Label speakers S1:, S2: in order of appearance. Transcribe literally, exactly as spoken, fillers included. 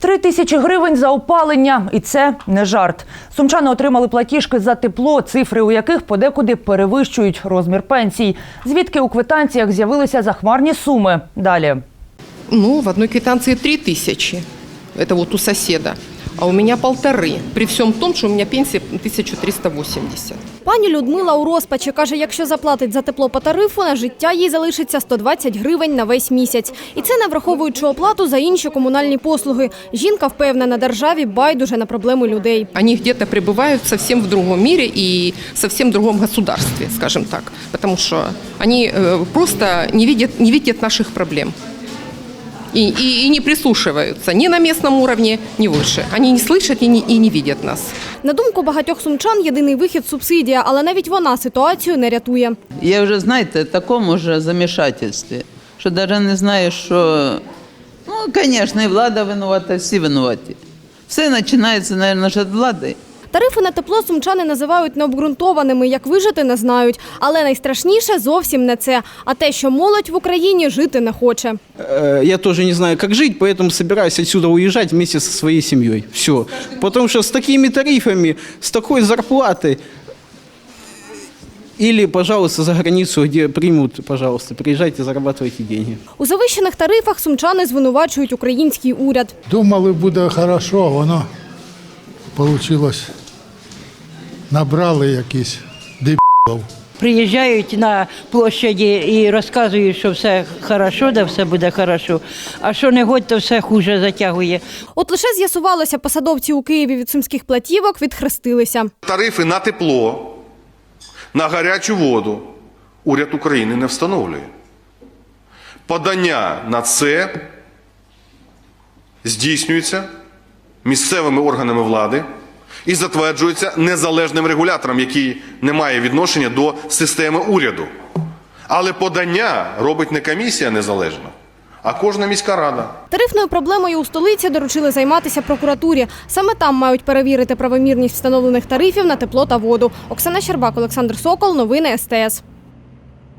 S1: Три тисячі гривень за опалення. І це не жарт. Сумчани отримали платіжки за тепло, цифри у яких подекуди перевищують розмір пенсій. Звідки у квитанціях з'явилися захмарні суми? Далі.
S2: Ну, в одной квитанции три тысячи. Это вот у соседа. А у меня полторы. При всем том, что у меня пенсия тисяча триста вісімдесят.
S3: Пані Людмила у розпачі. Каже, якщо заплатить за тепло по тарифу, на життя їй залишиться сто двадцять гривень на весь місяць. І це не враховуючи оплату за інші комунальні послуги. Жінка впевнена, державі байдуже на проблеми людей.
S2: Они где-то пребывают совсем в другом мире и совсем в другом государстве, скажем так. Потому что они э, просто не видят, не видят наших проблем. И, и, и не прислушиваются ни на местном уровне, ни выше. Они не слышат и не, и не видят нас.
S3: На думку багатьох сумчан, єдиний вихід – субсидія, але навіть вона ситуацію не рятує.
S4: Я вже, знаєте, в такому ж замішательстві, що навіть не знаю, що, ну, звісно, і влада винувата, всі винуваті. Все починається, мабуть, від влади.
S3: Тарифи на тепло сумчани називають необґрунтованими, як вижити не знають. Але найстрашніше зовсім не це, а те, що молодь в Україні жити не хоче.
S5: Я тоже не знаю, как жить, поэтому собираюсь отсюда уезжать вместе со своей семьей. Все. Потому что с такими тарифами, с такой зарплатой, или, пожалуйста, за границу, где примут, пожалуйста, приезжайте, зарабатывайте деньги.
S3: У завищених тарифах сумчани звинувачують український уряд.
S6: Думали, буде хорошо, а воно вийшло. Набрали якісь дебілів.
S7: Приїжджають на площаді і розказують, що все хорошо, да все буде хорошо, а що не годь, то все хуже затягує.
S3: От лише з'ясувалося, посадовці у Києві від сумських платівок відхрестилися.
S8: Тарифи на тепло, на гарячу воду уряд України не встановлює. Подання на це здійснюється місцевими органами влади і затверджується незалежним регулятором, який не має відношення до системи уряду. Але подання робить не комісія незалежна, а кожна міська рада.
S3: Тарифною проблемою у столиці доручили займатися прокуратурі. Саме там мають перевірити правомірність встановлених тарифів на тепло та воду. Оксана Щербак, Олександр Сокол. Новини ес те ес.